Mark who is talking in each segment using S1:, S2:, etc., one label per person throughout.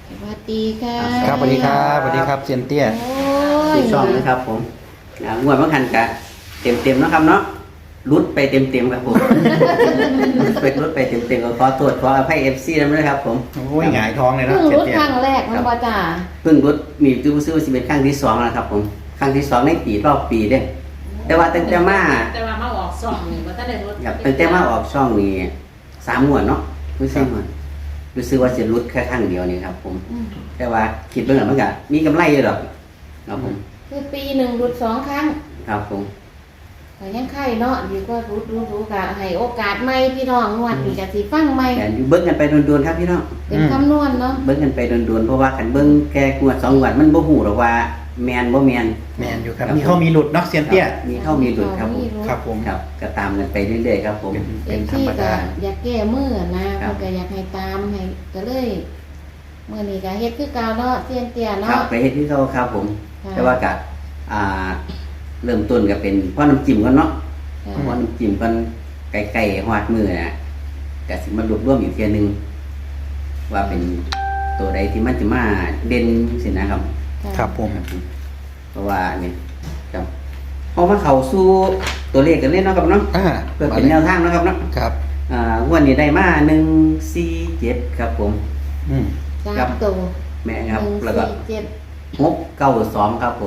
S1: สวัสดีค่ะ
S2: ครับสวัสดีครับสวัสดีครับเซียนเตี้ย
S1: โอ้ย
S3: ที่ช่องนะครับผมงวดบางคันกะเต็มนะครับเนาะรุดไปเต็มครับผม รุดไปเต็มก็ขอโทษขออภัยFC ด้วยครับผม
S2: โอ้ยหงายท้องเลยนะ
S1: เพิ่ง
S2: เซีย
S1: รุ
S2: น
S1: ด
S2: เตี้ย
S1: ครั้งแรกมันบ่จ้า
S3: เพิ่งรุดมีตู้ซื้อว่าสิเป็นครั้งที่2แล้วครับผมครั้งที่2ในปีรอบปีเด้แต่ว่าตั้งแต่มา
S4: มาออกซ่องนี่ว่าถ้าได้รถ
S3: ครับตั้งแต่มาออกช่องนี้3งวดเนาะรู้สึกว่าสิรุดแค่ครั้งเดียวนี่ครับผมแต่ว่าคิดเบิ่งแล้วมันก็มีกำไรอยู่ดอกครับผม
S1: คือปีหนึ่งรุด2 ครั้ง
S3: ครับผม
S1: ก็ยังไข่เนาะดีกว่ารุดกะให้โอกาสใหม่พี่น้องนวดนี่ก็สิฟังใหม่
S3: แต่อยู่เบิ่งกันไปโดนๆครับพี่น้อง
S1: เป็นคำนวณเนาะ
S3: เบิ่งกันไปโดนๆเพราะว่าคันเบิ่งแค่งวด2งวดมันบ่ฮู้หรอกว่าแม่นบ่แม่น
S2: แมนอยู่ครับมีเข้ามีหลุดเนาะเซียนเตี้ย
S3: มีเข้ามีหลุดครับผม
S2: ครับผม
S3: ครับก็ตามกันไปเรื่อยๆครับผม
S2: เป็นธร
S1: ที่
S2: รม
S1: ก็
S2: ดา
S1: อยากแก้มือนะครับ เพิ่นก็อยากให้ตามให้ก็เลยมื้อนี้ก็เฮ็ดคือเก่าเนาะเตียนเตี้ย
S3: ครั
S1: เนาะ
S3: บไปเฮ็ดที่เขาครับผม
S1: ค่ะ
S3: แต่ว่าก็อ่าเริ่มต้นก็เป็นพ่อน้ำจิ้มก่อนเนาะ
S1: ค่ะ
S3: พ่อน้ำจิ้มก่อนไก่ๆฮอดมือน่ะก็สิมารวบรวมอีกเทียหนึงว่าเป็นตัวใดที่มันจะมาเด่นสินะครับ
S2: ครับผม
S3: เพราะว่าเนี่ยครับพอมาเข้าสู่ตัวเลขกันเล่นเนาะครับเนาะ
S2: อ่า
S3: เพื่อเป็นแนวทางเนาะครับเนาะ
S2: ครับ
S3: งวดนี้ได้มา147ครับผม
S2: อืม
S1: สามตัว
S3: แม่ครับแล้วก็
S1: 147
S3: 692ครับผม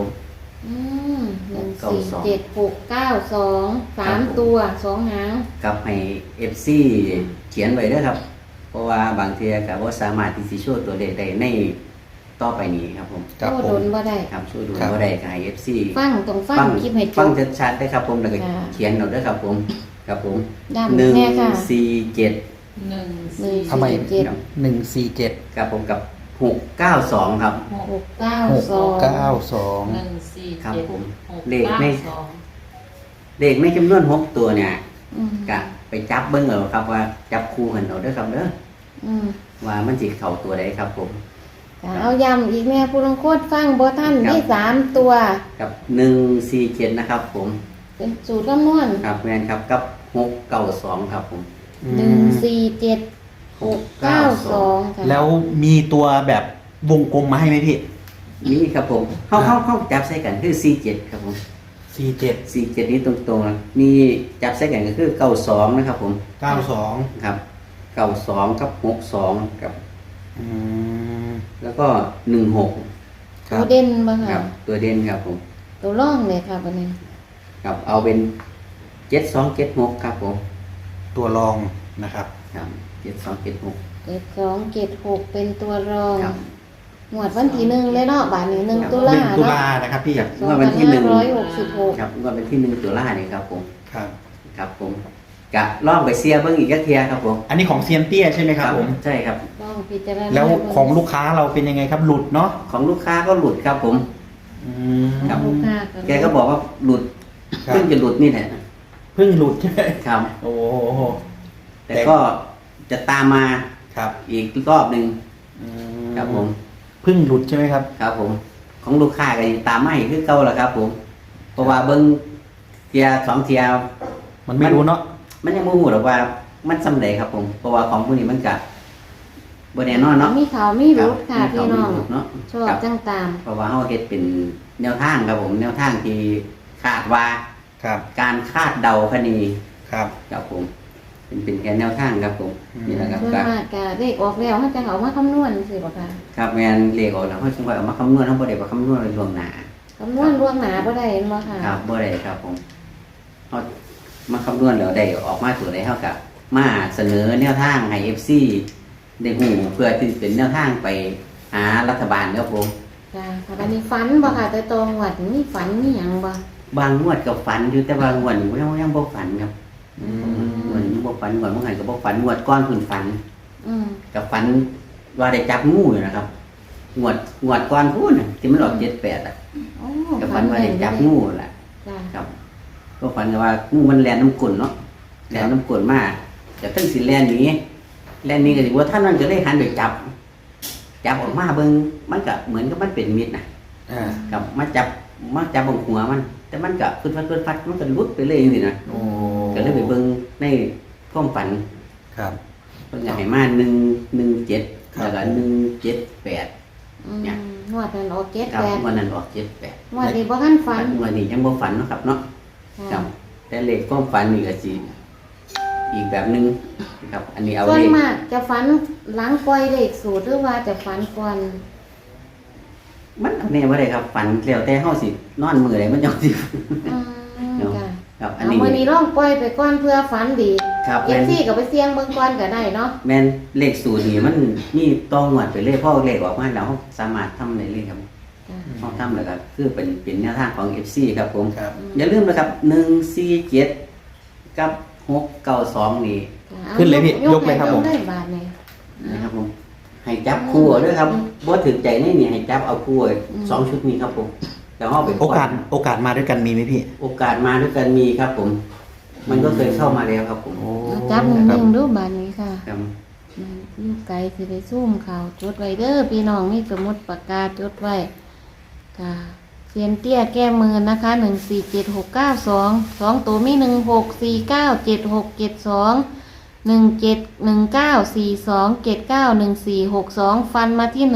S1: 147 692 3 ตัว 2 หาง
S3: กับให้ FC เขียนไว้เด้อครับ เพราะว่าบางเทีก็บ่สามารถที่สิโชว์ตัวเลขได้ในต่อไปนี้ครับผม
S2: ครับ
S1: โอ้
S2: ผ
S1: โด
S2: ม
S1: นบ่ได้
S3: ครับช่วยดู
S2: ครับ
S3: บ่ได้ก็ให้ FC
S1: ฟังต้องฟังคลิปให้จ
S3: ฟัง
S1: บ
S3: ชัดๆได้ครับผมแล้วก็
S1: ค่ะ
S3: เขียนเอาเด้อครับผมครับผม
S1: ย้ำแน่ค่ะ
S3: 147
S4: หนึ่ง
S2: ทำไม
S1: 147
S2: 147
S3: ครับผมกับ692ครับ
S1: 692
S2: 692
S4: หนึ่งสี่
S3: ครับ
S4: เจ็ด
S3: ผม
S4: หก
S3: เลขไม่
S4: สอง
S3: เลขในจำนวน6ตัวเนี่ย
S1: อืม
S3: ก็ไปจับเบิ่งเอาครับว่าจับคู่กันเอาเด้อครับเด้อ
S1: อืม
S3: ว่ามันสิเข้าตัวใดครับผม
S1: ค่ะเอาย้ำอีกแม่ผู้ลงโคตรฟังบ่ท่าน
S3: ครับ
S1: ได้3 ตัว
S3: กับ147นะครับผม
S1: เป็นสูตรคำนวณ
S3: ครับแม่นครับกับ692ครับผม
S1: 147 692ค่ะ
S2: แล้วมีตัวแบบวงกลมมาให้ไหมพี่
S3: นี่ครับผมเข้าจับใส่กันคือ47ครับผม
S2: 47
S3: 47นี้ตรงๆนะมีจับใส่กันก็คือ92นะครับผม
S2: 92
S3: ครับ92กับ62ครับ
S2: อืม
S3: แล้วก็16
S2: ครั
S1: ตัว
S2: บ
S1: เด่นบ่
S3: ครั
S1: ค่ะ
S3: บตัวเด่นครับผม
S1: ตัวร่องเลยค่ะบัดนี้
S3: ครับเอาเป็น7276ครับผม
S2: ตัวรองนะครับ
S3: ครับ7276
S1: 7276เป็นตัวรอง
S3: ครับ
S1: หมวดวันที่1เลยเนาะบาดนี้1ตุลา
S2: 1 ตุ
S1: เนาะ
S2: ลานะครับพี่
S3: ครับงวดวันที่1
S1: 2566
S3: ครับงวดวันที่1ตุลาเนี่ยครับผม
S2: ครับ
S3: ครับผมกะล่องไปเสียเบิ่งอีกจักเทียครับผม
S2: อันนี้ของเซียนเตี้ยใช่ไหมครับผม
S3: ใช่ครับ
S1: ต้องพิจารณา
S2: แล้วของลูกค้าเราเป็นยังไงครับหลุดเนาะ
S3: ของลูกค้าก็หลุดครับผม
S2: อืม
S3: ครับ
S1: ลูกค้า
S3: แกก็บอกว่าหลุด
S2: ครับ
S3: เพิ่งจะหลุดนี่แหละ
S2: เพิ่งหลุดใช่ไหม
S3: ครับ
S2: โอ้โห
S3: แต่ก็จะตามมา
S2: ครับ
S3: อีกรอบหนึ่ง
S2: อื
S3: ครับผม
S2: เพิ่งหลุดใช่ไหมครับ
S3: ครับผม ของลูกค้าก็ยังตามมาอีกคือเก่าแหละครับ ผม เพราะว่าเบิ้งเทียสองเทีย
S2: มันไม่รู้เนาะ
S3: มันยังบ่ฮู้หรอกว่ามันสำเร็จครับผม เพราะว่าของพวกนี้มันก็บ่แน่นอนเนาะ
S1: มีข่าวมีรุดค่ะ
S3: รับ
S1: พี่น้อง
S3: มีเขามีรุดเนาะ
S1: ชอบ
S3: ครับ
S1: จังตาม
S3: เพราะว่าเฮาเฮ็ดเป็นแนวทางครับผม แนวทางที่คาดว่า
S2: ครับ
S3: การคาดเดาคดี
S2: ครับ
S3: ครับผม เป็นแค่แนวทางครับผม
S2: อืม
S3: นี่แหละครับ
S1: ส่วน
S3: ก็
S1: มากก็เลขออกแล้วเขาจะเอามาคำนวณสิบ่ค่ะ
S3: ครับแม่นเลขออกแล้วเฮาจึงว่าเอามาคำนวณเฮาบ่ได้มาคำนวณไว้ล่วงหน้า
S1: คำนวณล่วงหนาบ่ได้เห็นบ่ค่ะ
S3: ครับบ่ได้ครับผมเฮามาคำนวณแล้วได้ออกมาตัวใดเฮาก็มาเสนอแนวทางให้ FC ได้ฮู้เพื่อที่เป็นแนวทางไปหารัฐบาลครับผม
S1: ค่ะค่ะบัดนี้ฝันบ่ค่ะแต่ตรงวัดมีฝันมีหยังบ่
S3: บางงวดก็ฝันอยู่แต่บางงวดนี่ยังบ่ฝันครับ
S1: อื
S3: งวดนี้บ่ฝันงวดเมื่อไงก็บ่ฝันงวดก้อนเพิ่นฝัน
S1: อืม
S3: กับฝันว่าได้จับงูอยู่นะครับงวดก้อนพูดน่ะที่มันออก78อ่ะ
S1: โอ้
S3: กับฝันว่าได้จับงูแหละ
S1: จ้ะ
S3: ครับก็ฝันว่างูมันแล่นน้ำกลนเนาะแล่นน้ำกลนมาแต่ตั้งสิแล่นหนีก็สิว่าท่านมันก็เลยหันไปจับออกมาเบิ่งมันก็เหมือนกับมันเป็นมิตรน่ะ
S2: อ่า
S3: กับมาจับบนหัวมัน แต่มันก็ฟึดฟัดมันก็หลุดไปเลยจังซี่นะ
S2: โอ้
S3: ก็เลยไปเบิ่งในความฝัน
S2: ครับ
S3: เพิ่นก็ให้มา117 แล้วก็178
S1: อืม
S3: เนี่ย
S1: งวดนั้นออกเก็ด
S3: ครับ
S1: แปด
S3: วันนั้นออก78
S1: งวดนี้บ่ทันฝัน
S3: วันนี้ยังบ่ฝันเนาะครับเนาะครั
S1: ค่ะ
S3: บแต่เลขความฝันนี่ก็สิอีกแบบหนึงนะครับอันนี้เอา
S1: ส่ว
S3: เล
S1: น
S3: ข
S1: มากจะฝันหลังปล่อยเลขสูตรหรือว่าจะฝันก่อน
S3: มันเอาแน่บ่ได้ครับฝันแล้วแต่เฮาสินอนมื้อใดมันจังสิ
S1: อืม
S3: เนาะ
S1: ค่ะ
S3: ครับอัน
S1: เอา
S3: นี้
S1: มื้อนี้ลองปล่อยไปก่อนเพื่อฝันดี
S3: ครับ
S1: เอ
S3: แม่
S1: ฟ
S3: น
S1: ซีก็ไปเสี่ยงเบิ่งก่อนก็ได้เนาะ
S3: แม่นเลขสูตรนี่มันมีต้องงวดไปเลยเพราะเลขออกมาแล้วเราสามารถทำได้เลยครับ
S1: จ้ะ
S3: เราทำแล้วก็คือเป็นแนวทางของ FC ครับผม
S2: ครับ
S3: อย่าลืมนะครับ147กับ692นี่
S1: จ้ะอา
S2: ขึ้นเลยพี่ยกเลยครับผม
S1: ได้บาทนี่
S3: นะครับผมให้จับคู่เอาด้วยครับบ่ถึงใจนี่ให้จับเอาคู่ไว้สองชุดนี้ครับผมแล้วเอาไปป
S2: โอ
S3: ล่อย
S2: กาสมาด้วยกันมีไหมพี่
S3: โอกาสมาด้วยกันมีครับผม มันก็เคยเข้ามาแล้วครับผม
S2: โอ้
S1: จับห
S2: ครับ
S1: นึ่งดูบาทนี้ค่ะ
S3: ครับ
S1: อยู่ไกลสิได้ซูมข่าวจดไว้เด้อพี่น้องมีสมุดปากกาจดไว้ค่ะเซียนเตี้ยแก้มือนะคะ147692 2ตัวมี16497672171942791462 ฟันมาที่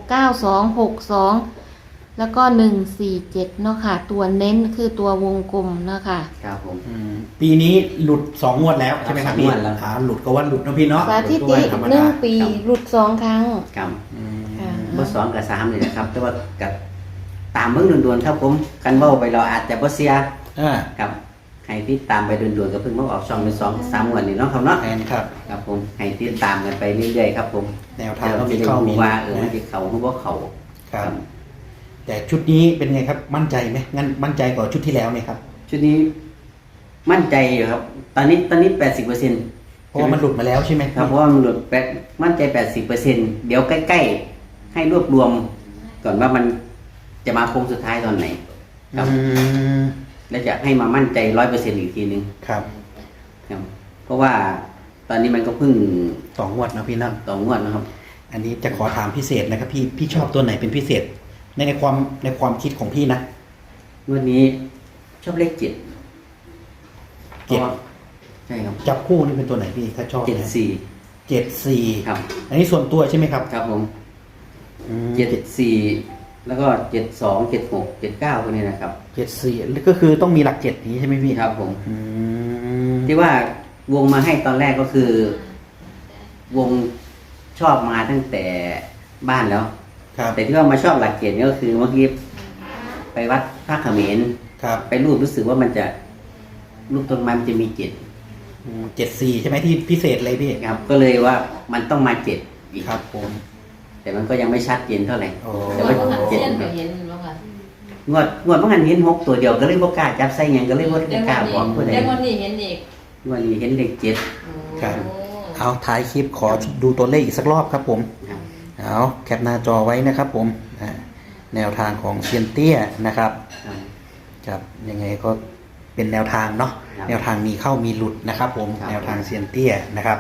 S1: 169262แล้วก็147เนาะค่ะตัวเน้นคือตัววงกลมเนาะค่ะ
S3: ครับผม
S2: ปีนี้หลุด2 งวดแล้วใช่ไหมครับพี่
S3: สองงวดแล้วครับ
S2: หลุดก็ว่าหลุดนะพี่เนาะ
S1: สถิติ
S2: ธรรม
S1: หนึ่
S2: ดาง
S1: ปีหลุด2 ครั้ง
S3: ครับ
S2: อืม
S1: ค่ะ
S3: บ่สองกับสามเลยนะครับ แต่ว่ากับตามเบิ่งด่วนๆครับผมกันเว้าไปเราอาจจะบ่เสีย
S2: อ่า
S3: ครับให้ติดตามไปด่วนๆก็เพิ่งมาออกช่องเป็น2-3 วันนี่เนาะครับเนาะ
S2: แทนครับ
S3: ครับผมให้ติดตามกันไปเรื่อยๆครับผม
S2: แนวทางก็มีเข้ามี
S3: ว่า
S2: หลุด
S3: มัน
S2: นะ
S3: สิเข้าหรือบ่เข้า
S2: ครับ แต่ชุดนี้เป็นไงครับมั่นใจไหมงั้นมั่นใจกว่าชุดที่แล้วไหมครับ
S3: ชุดนี้มั่นใจอยู่ครับ ตอนนี้80%
S2: เพราะว่ามันหลุดมาแล้วใช่ไหม
S3: ครับเพราะว่ามันหลุดมั่นใจ 80%เดี๋ยวใกล้ๆให้รวบรวม ก่อนว่ามันจะมาโค้งสุดท้ายตอนไหน ครับ
S2: อืม
S3: แล้วจะให้มามั่นใจ 100%อีกทีนึง
S2: ครับ
S3: ครับเพราะว่าตอนนี้มันก็เพิ่ง
S2: 2 งวดนะพี่นะ
S3: 2 งวดนะครับ
S2: อันนี้จะขอถามพิเศษนะครับพี่ชอบตัวไหนเป็นพิเศษในความคิดของพี่นะ
S3: งวดนี้ชอบเลข7
S2: เจ็ด
S3: ใช่ครับ
S2: จับคู่นี่เป็นตัวไหนพี่ถ้าชอบนะ
S3: 74
S2: 74
S3: ครับ
S2: อันนี้ส่วนตัวใช่ไหมครับ
S3: ครับผม
S2: อืม
S3: 74แล้วก็72 76 79พวกนี้นะครับ
S2: 74ก็คือต้องมีหลัก7นี้ใช่ไหมพี่
S3: ครับผม
S2: อืม
S3: ที่ว่าวงมาให้ตอนแรกก็คือ วงชอบมาตั้งแต่บ้านแล้ว
S2: ครับ
S3: แต่ที่ว่ามาชอบหลักเกณฑ์นี่ก็คือเมื่อกี้ไปวัดพระเขมร
S2: ครับ
S3: ไปรูปรู้สึกว่ามันจะรูปต้นไม้มันจะมีเจ็ด
S2: 74ใช่ไหมที่พิเศษเลยพี่
S3: ครับ ก็เลยว่ามันต้องมาเจ็ดอีก
S2: ครับผม
S3: แต่มันก็ยังไม่ชัดเจนเท่าไหร่
S2: โอ้
S3: แต่
S4: แต่
S3: ว่า
S4: ว่าหัน
S3: เจ็ด
S4: เส้นก็เห็นแล้วค่ะ
S3: งวดเมื่อกันเห็น6 ตัวเดียวก็เลยบ่กล้าจับใส่หยังก็เลยบ่
S4: เดี๋ยว
S3: กล้า
S4: วัน
S3: บอกผู้ใด
S4: นี้เดี๋ยววันนี้เห็นอีก
S3: งวดนี้เห็นเลข7
S2: ครับ
S4: โอ้
S2: เอาท้ายคลิปขอดูตัวเลขอีกสักรอบครับผม
S3: ครับ
S2: เอาแคปหน้าจอไว้นะครับผมแนวทางของเซียนเตี้ยนะครับ
S3: ครับ
S2: ครับยังไงก็เป็นแนวทางเนาะ
S3: ครับ
S2: แนวทางมีเข้ามีหลุดนะครับผม
S3: ครับ
S2: แนวทางเซียนเตี้ยนะครับ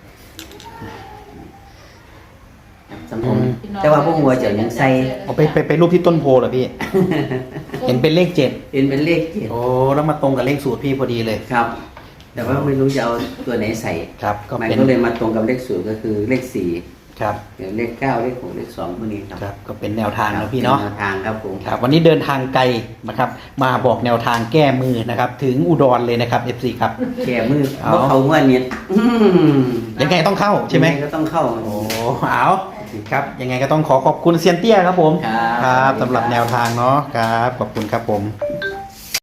S3: ครับสำผมแต่ว่าพวกหัวเจ้ายังใส่
S2: เอาไปรูปที่ต้นโพเหรอพี่ เห็นเป็นเลข7
S3: เห็นเป็นเลข7
S2: โอ้แล้วมาตรงกับเลขสูตรพี่พอดีเลย
S3: ครับ แต่ว่าไม่รู้จะเอาตัวไหนใส่
S2: ครับก็
S3: มัน
S2: เป็น
S3: ก็เลยมาตรงกับเลข0ก็คือเลข4
S2: ครับ
S3: เดี๋ยวเลข9เลข6เลข2พวกนี้ครับ
S2: ครับก็เป็นแนวทางนะพี่เนาะ
S3: ป็แวทางครับผม
S2: ครับวันนี้เดินทางไกลนะครับมาบอกแนวทางแก้มือนะครับถึงอุดรเลยนะครับ FC ครับ
S3: แก่มือ
S2: เอา
S3: เพราะเขาเมื่อนี้
S2: ยังไงต้องเข้าใช่ไหม
S3: ยังงก็ต้องเข้า
S2: โอ้เอาครับยังไงก็ต้องขอบคุณเซียนเตี้ยครับผม
S3: ครับ
S2: สำหรับแนวทางเนาะครับขอบคุณครับผม